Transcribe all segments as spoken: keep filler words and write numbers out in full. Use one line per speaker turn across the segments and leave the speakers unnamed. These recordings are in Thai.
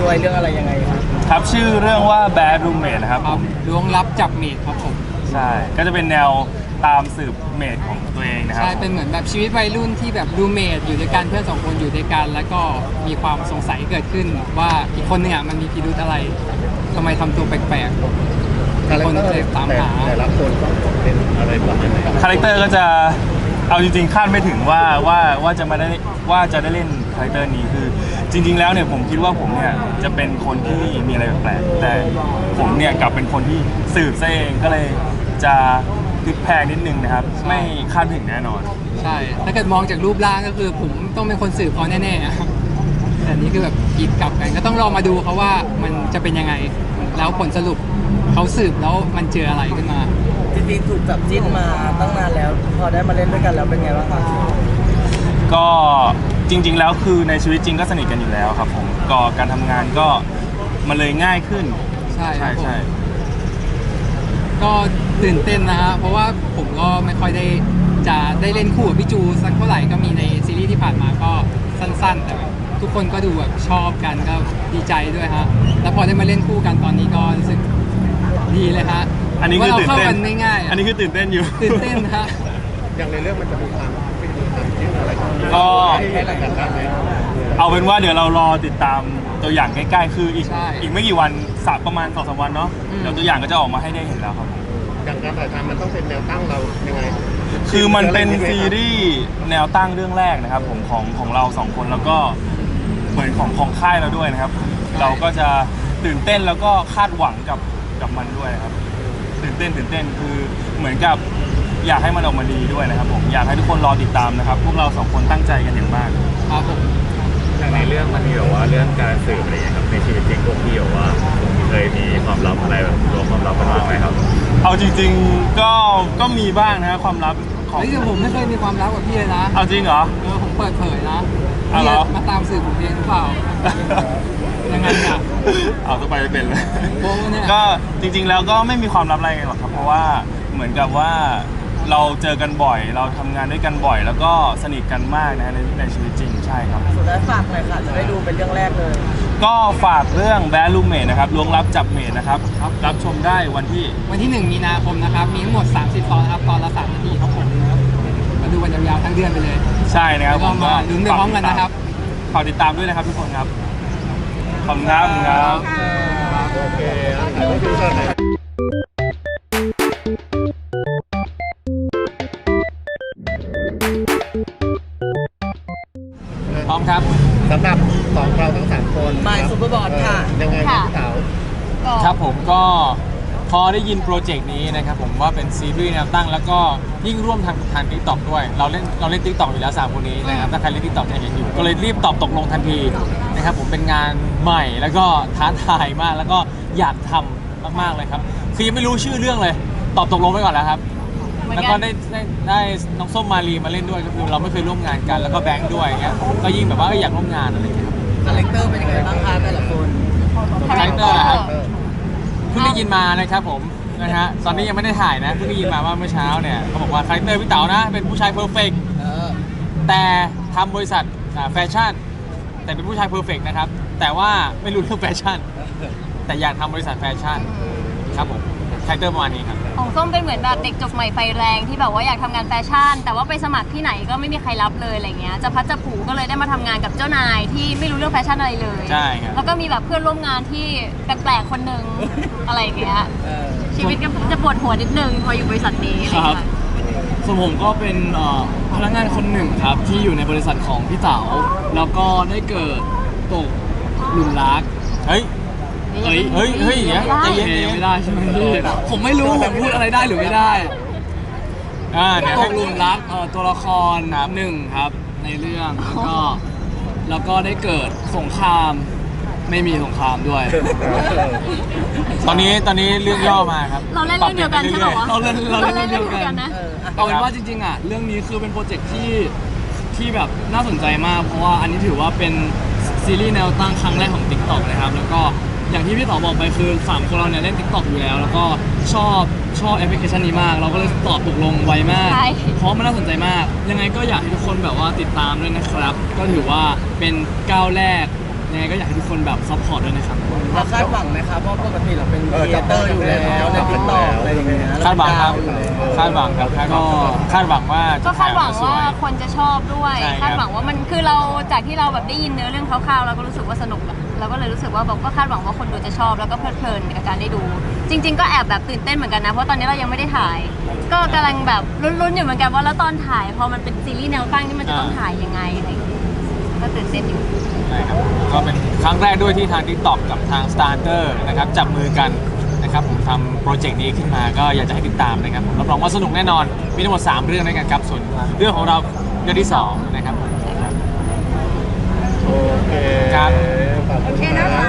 ด้วยเรื่องอะไรยังไงครับ
ครับชื่อเรื่องว่า Bad Roommate นะครับผม
ล้วงลับจับเมดครับผม
ใช่ก็จะเป็นแนวตามสืบเมดของตัวเองนะครับ
ใช่เป็นเหมือนแบบชีวิตวัยรุ่นที่แบบรูเมทอยู่ด้วยกันเพื่อนสองคนอยู่ด้วยกันแล้วก็มีความสงสัยเกิดขึ้นว่าอีกคนนึงอ่ะมันมีพิรุธอะไรทำไมทำตัวแปลกๆคนก็เลยตามหา
แต่ละคนต้องเป็นอะไรประมาณไหน
คาแรคเตอร์ก็จะเอาจริงๆคาดไม่ถึงว่าว่าว่าจะมาได้ว่าจะได้เล่นคาแรคเตอร์นี้คือจริงๆแล้วเนี่ยผมคิดว่าผมเนี่ยจะเป็นคนที่มีอะไรแปลกๆแต่ผมเนี่ยกลับเป็นคนที่สืบซะเองก็เลยจะพลิกแพลงนิดนึงนะครับไม่คาดถึงแน่นอน
ใช่ถ้าเกิดมองจากรูปร่างก็คือผมต้องเป็นคนสืบเขาแน่ๆแต่นี้คือแบบอีกกลับกันก็ต้องรอมาดูเขาว่ามันจะเป็นยังไงแล้วผลสรุปเขาสืบแล้วมันเจออะไรขึ้นมา
จริงๆถูกจับจิ้นมาตั้งนานแล้วพอได้มาเล่นด้วยกันแล้วเป็นไงบ้างครับ
ก็จริงๆแล้วคือในชีวิตจริงก็สนิทกันอยู่แล้วครับผมก็การทำงานก็มันเลยง่ายขึ้น
ใช่
ใช่ใช่
ก็ตื่นเต้นนะฮะเพราะว่าผมก็ไม่ค่อยได้จะได้เล่นคู่กับพี่จูสักเท่าไหร่ก็มีในซีรีส์ที่ผ่านมาก็สั้นๆแต่ทุกคนก็ดูแบบชอบกันก็ดีใจด้วยฮะแล้วพอได้มาเล่นคู่กันตอนนี้ก็รู้สึกดีเลยฮะ
อันนี้คือตื่นเต้น
ง่าย
อันนี้คือตื่นเต้นอยู่
ตื่นเต้นฮะ
อย่างในเรื่องมันจะมีความเป็นความจริงอะไร
ก็เอาเป็นว่าเดี๋ยวเรารอติดตามตัวอย่างใกล้ๆคืออีกอีกไม่กี่วันสักประมาณสองสามวันเนาะเดี๋ยวตัวอย่างก็จะออกมาให้ได้เห็นแล้วครับ
อย่างการถ่ายทำมันต้องเป็นแนวตั้งเรายังไง
คือมันเป็นซีรีส์แนวตั้งเรื่องแรกนะครับผมของของเราสองคนแล้วก็เหมือนของของค่ายเราด้วยนะครับเราก็จะตื่นเต้นแล้วก็คาดหวังกับกับมันด้วยนะครับตื่นเต้นตื่นเต้นคือเหมือนกับอยากให้มันออกมาดีด้วยนะครับผมอยากให้ทุกคนรอติดตามนะครับพวกเราสองคนตั้งใจกันอย่างมาก
ครับผม
อย่างในเรื่องมันมีแบบว่าเรื่องการสืบอะไรอย่างเงี้ยครับในชีวิตจริงพวกพี่แบบว่าเคยมีความลับอะไรแบบรวมความลับกันบ้างไหมครับ
เอาจริงๆก็ก็มีบ้างนะความลับ
ของที่ผมไม่เคยมีความลับกับพี่เลยนะ
เอาจริงเหรอ
เออผมเปิดเผยนะพี่มาตามสืบผมเองหรือเปล่ายังไงอ่ะ
เอาตัวไปไม่เป็นเลยก็จริงๆแล้วก็ไม่มีความลับอะไรหรอกครับเพราะว่าเหมือนกับว่าเราเจอกันบ่อยเราทำงานด้วยกันบ่อยแล้วก็สนิทกันมากนะในในชีวิตจริงใช่ครับ
สุดท้ายฝากหน่อยค่ะจะได้ดูเป็นเรื่องแรกเลย
ก็ฝากเรื่อง Bad Roommate นะครับล้วงลับจับเมดนะครับรับชมได้วันที่
วันที่หนึ่งมีนาคมนะครับมีทั้งหมดสามสิบตอนครับตอนละสามนาทีครับผมมาดูกันยาวๆทั้งเดือนไปเลย
ใช่นะครับ
ผมมาลุ้นไปพร้อมกันนะครับ
ฝากติดตามด้วยนะครับทุกคนครับขอบคุณครับครับ
โอเคถ่ายรูปดูกันหน่อย
พร้อมครับ
สำหรับสองเราทั้งสามคนมาซูเปอร์บอลค่ะยังไงพี่เต๋า
ครับผมก็พอได้ยินโปรเจกต์นี้นะครับผมว่าเป็นซีรีส์แนวตั้งแล้วก็ยิ่งร่วมทางทาง ติ๊กต็อก ด้วยเราเล่นเราเล่น ติ๊กต็อก อยู่แล้วสามคนนี้นะครับถ้าใครเล่น ติ๊กต็อก จะเห็นอยู่ก็เลยรีบตอบตกลงทันทีนะครับผมเป็นงานใหม่แล้วก็ท้าทายมากแล้วก็อยากทำมากๆเลยครับคือยังไม่รู้ชื่อเรื่องเลยตอบตกลงไปก่อนแล้วครับแล้วก็ได้ได้ได้น้องส้มมารีมาเล่นด้วยก็คือเราไม่เคยร่วมงานกันแล้วก็แบงค์ด้วยเงี้ยก็ยิ่งแบบว่าอยากร่วมงานอะไรอย่างเงี้ย
คาแรคเตอร์เป็นยังไงบ้างคะแต่ละคน
คาแรคเตอร์ครับเพิ่งได้ยินมานะครับผมนะฮะตอนนี้ยังไม่ได้ถ่ายนะเพิ่งได้ยินมาว่าเมื่อเช้าเนี่ยเขาบอกว่าคาแรคเตอร์พี่เต๋านะเป็นผู้ชายเพอร์เฟกต์แต่ทำบริษัทแฟชั่นแต่เป็นผู้ชายเพอร์เฟกต์นะครับแต่ว่าไม่รู้เรื่องแฟชั่นแต่อยากทำบริษัทแฟชั่นครับผมคาแรคเตอร์ประมาณนี้ครับ
ของส้มเป็นเหมือนแบบเด็กจบใหม่ไฟแรงที่แบบว่าอยากทำงานแฟชั่นแต่ว่าไปสมัครที่ไหนก็ไม่มีใครรับเลยอะไรเงี้ยจะพัดจะผูก็เลยได้มาทำงานกับเจ้านายที่ไม่รู้เรื่องแฟชั่นอะไรเลย
ใช่ครับ
แล้วก็มีแบบเพื่อนร่วมงานที่แปลกๆคนหนึ่งอะไรอย่างเงี้ยชีวิตก็จะปวดหัวนิดนึงพออยู่บริษัทนี้
ครับส่วนผมก็เป็นพนักงานคนหนึ่งครับที่อยู่ในบริษัทของพี่เต๋าแล้วก็ได้เกิดตกหลุมรัก
เฮ้ยเฮ้ยเฮ้ยเฮ้ยอย่างเงี้ย
ใจเย็นไม่ได้ใช่ไหมพี่ผมไม่รู้ผมพูดอะไรได้หรือไม่ได้
อ่าเนี่ย
ตกหลุมรักตัวละครหนึ่งครับในเรื่องแล้วก็แล้วก็ได้เกิดสงครามไม่มีสงครามด้วย
ตอนนี้ตอนนี้เรื่องย่อมาครับ
เราเล่นเรื่องเดียวกันใช่ไหมวะ
เราเล่นเราเล่นเรื่องเดียวกันนะเอาเป็นว่าจริงๆอ่ะเรื่องนี้คือเป็นโปรเจกต์ที่ที่แบบน่าสนใจมากเพราะว่าอันนี้ถือว่าเป็นซีรีส์แนวตั้งครั้งแรกของ ติ๊กต็อก นะครับแล้วก็อย่างที่พี่ต่อบอกไปคือสามคนเราเนี่ยเล่น ติ๊กต็อก อยู่แล้วแล้วก็ชอบชอบแอปพลิเคชันนี้มากเราก็เลยตอบตกลงไวมากเพราะมันน่าสนใจมากยังไงก็อยากให้ทุกคนแบบว่าติดตามด้วยนะครับก็ถือว่าเป็นก้าวแรกยังไงก็อยากให้ทุกคนแบบซัพพอร์ตด้วยนะครับ
เราคาดหวังไหมครับเพราะปกติเราเป็น
เออ
ครีเอเตอร์อยู่แล้วในติ๊กต็อกอะไรอย่างเงี้ย
คาดหวังครับ
เเป็นดาวอยู่แล้ว
คาดหวังครับคาดหวังคาดหวังว่า
ก็
จะ
คาดหวัง
ถ่ยออกมส
ว่าย คนจะชอบด้วย
ใช่ครับ
คาดหวังว่ามันคือเราจากที่เราแบบได้ยินเนื้อเรื่องคร่าวๆเราก็รู้สึกว่าสนุกอะเราก็เลยรู้สึกว่าแบบก็คาดหวังว่าคนดูจะชอบแล้วก็เพลิดเพลินกับการได้ดู จริง ๆ ก็แอบแบบตื่นเต้นเหมือนกันนะเพราะตอนนี้เรายังไม่ได้ถ่าย ก็กำลังแบบลุ้นๆอยู่เหมือนกันว่าแล้วตอนถ่ายพอมันเป็นซีรีส์แนวตั้งนี่มันจะต้องถ่ายยังไงอะไรอย่างเงี้ยก็ตื่นเต้นอยู่
ใช่ครับก็เป็นครั้งแรกด้วยที่ทาง TikTok กับทาง Starter นะครับจับมือกันนะครับผมทำโปรเจกต์นี้ขึ้นมาก็อยากจะให้ติดตามนะครับผมรับรองว่าสนุกแน่นอนมีทั้งหมดสามเรื่องด้วยกันครับส่วนเรื่องของเราเรื่องที่สองนะครับผม
โอเค
ครับ
ขอบคุณ
โอเคนะคะ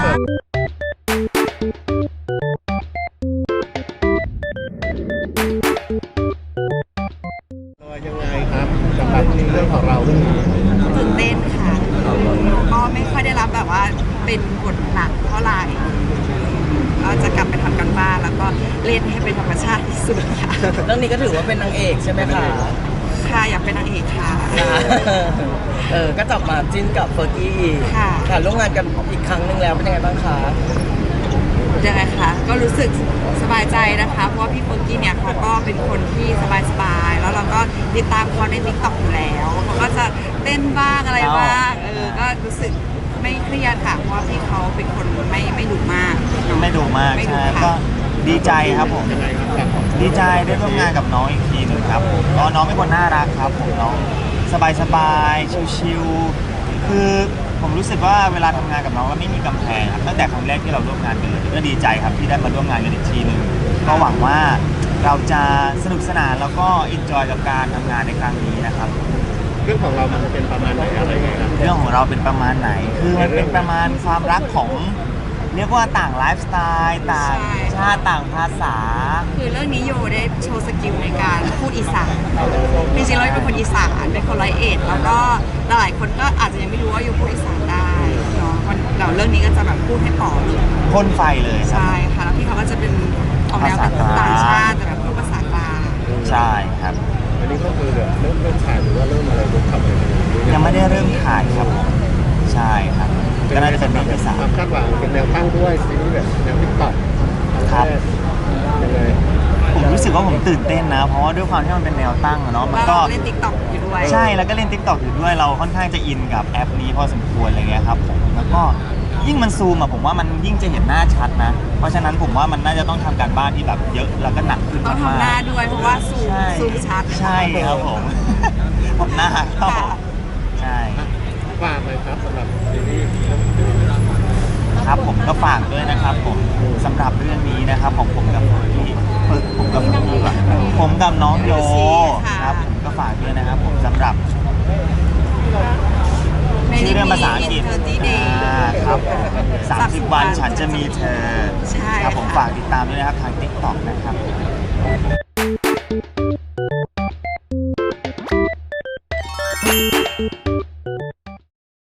ยังไงครับสำหรับเรื่องของเราเรื่องนี้
ตื่นเต้นค่ะ ก็ไม่ค่อยได้รับแบบว่าเป็นบทหนักเท่าไหร่ก็จะกลับไปทำกันบ้านแล้วก็เล่นให้เป็นธรรมชาติที่สุดค่ะ
เรื่องนี้ก็ถือว่าเป็นนางเอกใช่ไหมคะ
ค่ะอยากเป็นนางเอกค่ะ
เออก็จับมาจิ้นกับเฟอร์กี้อีก
ค่ะ
ค่ะร่วมงานกันอีกครั้งหนึ่งแล้วเป็นยังไงบ้างคะ
ยังไงคะก็รู้สึกสบายใจนะคะ เพราะว่าพี่เฟิร์กกี้เนี่ยเขาก็เป็นคนที่สบายๆแล้วเราก็ติดตามเขาในทิกตอกอยู่แล้วเขาก็จะเต้นบ้างอะไรบ้างเออก็รู้สึกไม่เครียดค่ะเพราะว่าพี่เขาเป็นคนไม่ไม่ดุมากเนอะ
ไม่ดุมาก
ไม่ดุ
ใช่
ค่ะ
ก็ดีใจครับผม
ยังไงครับครับ
ดีใจได้ร่วมงานกับน้องอีกทีหนึ่งครับผมก็น้องเป็นคนน่ารักครับผมน้องสบายๆชิวๆคือผมรู้สึกว่าเวลาทำงานกับน้องก็ไม่มีกำแพงครับตั้งแต่ครั้งแรกที่เราร่วมงานกันเลยก็ดีใจครับที่ได้มาร่วมงานกันอีกทีหนึ่งก็หวังว่าเราจะสนุกสนานแล้วก็อินจอยกับการทำงานในครั้งนี้นะครับ
เรื่องของเรามันจะเป็นประมาณไหนอะไรยังไงครับ
เรื่องของเราเป็นประมาณไหน คือมันเป็นประมาณความรักของเรียกว่าต่างไลฟ์สไตล์ต่าง
ใช่
ชาติต่างภาษา
คือเรื่องนี้โยได้โชว์สกิลในการพูดอีสานจริงๆเราเป็นคนอีสานเป็นคนร้อยเอ็ดแล้วก็หลายคนก็อาจจะยังไม่รู้ว่าโยพูดอีสานได้เนาะมันเราเรื่องนี้ก็จะแบบพูดให้ต่อเลย
พ่นไฟเลยครับ
ใช่ค่ะแล้วพี่เขาก็จะเป็นออกแนวแบบต่างชาติแต่แบบพูดภาษากลาง
ใช่ครับ
อันนี้ก็คือเริ่มเริ่มถ่ายหรือว่าเริ่มอะไรเริ่มทำอะไรกันอยู่
ยังไม่ได้เริ่มถ่ายครับผมใช่ครับก็น่าจะเป็นเรื่องที่สาม
ความคาดหวังเป็นแนวตั้งด้วยซีรีส์แบบแนวติ๊กต็อก
ครับ
ยังไง
ผมรู้สึกว่าผมตื่นเต้นนะ เพราะว่าด้วยความที่มันเป็นแนวตั้งอะเนาะมัน
แล้ว
ก็
เราเล่นติ๊กต็อกอยู่ด้วย
ใช่แล้วก็เล่น TikTok อยู่ด้วยเราค่อนข้างจะอินกับแอปนี้พอสมควรอะไรเงี้ยครับผมแล้วก็ยิ่งมันซูมอะผมว่ามันยิ่งจะเห็นหน้าชัดนะ เพราะฉะนั้นผมว่ามันน่าจะต้องทำการบ้านที่แบบเยอะแล้วก็หนักขึ้น
ต้อง
มาก
ทำหน้าด้วยเพราะว่าซูม
ใช่
ซูมชัด
ใช่ครับผม ผมหน้าครับผมใช่
ฝากเลยครับสำหรับซีรีส์
ครับผมก็ฝากด้วยนะครับผมสำหรับเรื่องนี้นะครับของผมกับพี่ฝึกผมกับน้องอะผมกับน้องโยครับผมก็ฝากด้วยนะครับผมสำหรับชื่อเรื่องภาษาอังกฤษ
Thirty Days
อ่าครับสามสิบวันฉันจะมีเธอ
ใช่
ครับผม
ค่ะ
ฝากติดตามด้วยนะครับทาง TikTok นะครับ